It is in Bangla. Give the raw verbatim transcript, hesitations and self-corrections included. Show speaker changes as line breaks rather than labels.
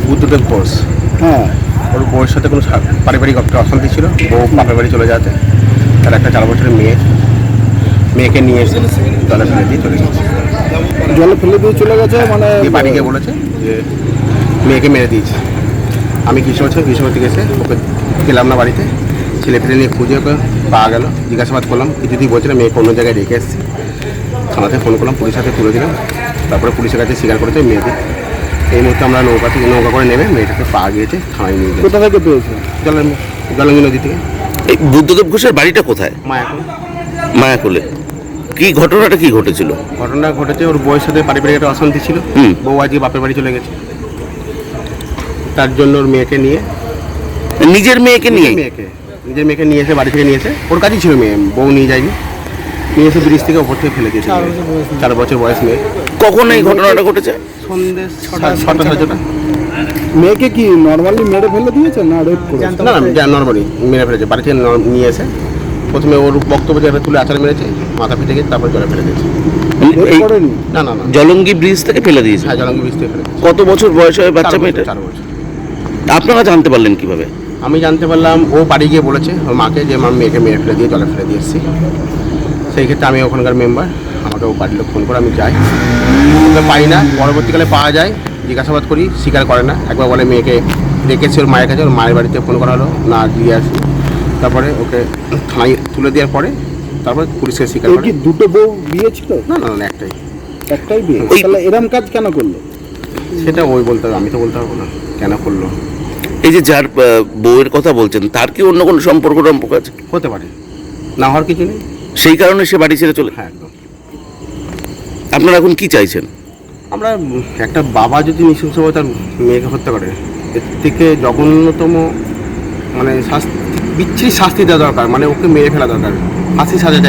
বুদ্ধদেব ঘোষ।
হ্যাঁ,
ওর বউয়ের সাথে কোনো সা- পারিবারিক একটা অশান্তি ছিল। বউ বাপের বাড়ি চলে যাতে তার একটা চার বছরের মেয়ে, মেয়েকে নিয়ে এসে জলে ফেলে দিয়ে চলে গেছে।
জলে ফেলে দিয়ে চলে গেছে মানে
দিয়ে বাড়ি গিয়ে বলেছে যে মেয়েকে মেরে দিয়েছে। আমি কিশোর ছিলাম, কিশোর থেকে এসে ওকে গেলাম না বাড়িতে, ছেলে ফেলে নিয়ে খুঁজে ওকে পাওয়া গেল। জিজ্ঞাসাবাদ করলাম, কিছুতেই বলছে না, মেয়েকে অন্য জায়গায় রেখে এসেছি। থানাতে ফোন করলাম, পুলিশ হাতে তুলে দিলাম। তারপরে পুলিশের কাছে স্বীকার করেছে মেয়েকে। এই মুহূর্তে আমরা নৌকা থেকে নৌকা করে নেমে মেয়েটাকে পাওয়া গিয়েছে, থানায় নিয়ে গেছে
কোথা থেকে পেয়েছে?
জলের জলঙ্গি নদী থেকে।
এই বুদ্ধদেব ঘোষের বাড়িটা কোথায়?
মায়াপুর।
মায়াকুলে। কি ঘটনাটা কি ঘটেছিল?
ঘটনা ঘটেছে, ওর বউয়ের সাথে পারিবারিক একটা অশান্তি ছিল।
হুম।
বউ আজকে বাপের বাড়ি চলে গেছে, তার জন্য ওর মেয়েকে নিয়ে
নিজের মেয়েকে নিয়ে?
মেয়েকে নিজের মেয়েকে নিয়ে এসে বাড়ি থেকে নিয়ে এসে, ওর কাছেই ছিল মেয়ে, বউ নিয়ে যায়নি, নিয়ে এসে ব্রিজ থেকে ওপর থেকে ফেলে দিয়েছে। চার বছর বয়স মেয়ে।
কখন এই ঘটনাটা ঘটেছে?
সন্ধ্যে ছটা ছটা সাড়ে ছটা।
মেয়েকে কি নর্মালি মেরে ফেলে দিয়েছে না রেপ করেছে?
না না, নর্মালি মেরে ফেলেছে। বাড়ি থেকে ন- নিয়ে এসে প্রথমে ওর বক্তব্য জায়গায় তুলে আচার মেরেছে, মাথা পিটে গেছে, তারপর জলে ফেলে দিয়েছে।
রেপ
এই
করেনি?
না না না,
জলঙ্গি ব্রিজ থেকে ফেলে দিয়েছে?
হ্যাঁ, জলঙ্গি ব্রিজ থেকে ফেলে দিয়েছে।
কত বছর বয়স হয় বাচ্চা
চার বছর,
মেয়েটা?
চার বছর।
আপনারা জানতে পারলেন কিভাবে?
আমি জানতে পারলাম ও বাড়ি গিয়ে বলেছে ওর মাকে যে মা মেয়েকে মেরে ফেলে দিয়ে জলে ফেলে দিয়ে এসেছি। সেই ক্ষেত্রে আমি ওখানকার মেম্বার, আমাকে ও বাড়ির লোক ফোন করে, আমি যাই, ওকে পাই না। পরবর্তীকালে পাওয়া যায়, জিজ্ঞাসাবাদ করি, স্বীকার করে না। একবার বলে মেয়েকে রেখেছে ওর মায়ের কাছে, ওর মায়ের বাড়িতে ফোন করা হলো, না দিয়ে আসি। তারপরে ওকে থানায় তুলে দেওয়ার পরে তারপরে পুলিশকে স্বীকার
এই
করে।
কি দুটো বউ বিয়ে ছিল?
না না না, একটাই।
একটাই বিয়ে?
ওই-
তাহলে এরম কাজ কেন করলো?
সেটা ওই বলতে হবে, আমি তো বলতে পারবো না কেন করলো।
এই যে যার আহ, বউয়ের কথা বলছেন, তার কি অন্য কোনো সম্পর্ক টম্পর্ক আছে?
হতে পারে, না হওয়ার কিছু নেই।
সেই কারণে সে বাড়ি ছেড়ে চলে?
হ্যাঁ, একদম।
আপনারা এখন কি চাইছেন?
আমরা একটা বাবা যদি নৃশংসভাবে তার মেয়েকে হত্যা করে, এর থেকে জঘন্যতম মানে শাস্তি, বিচ্ছিরি শাস্তি দেওয়া দরকার, মানে ওকে মেরে ফেলা দরকার, ফাঁসি সাজা চাই।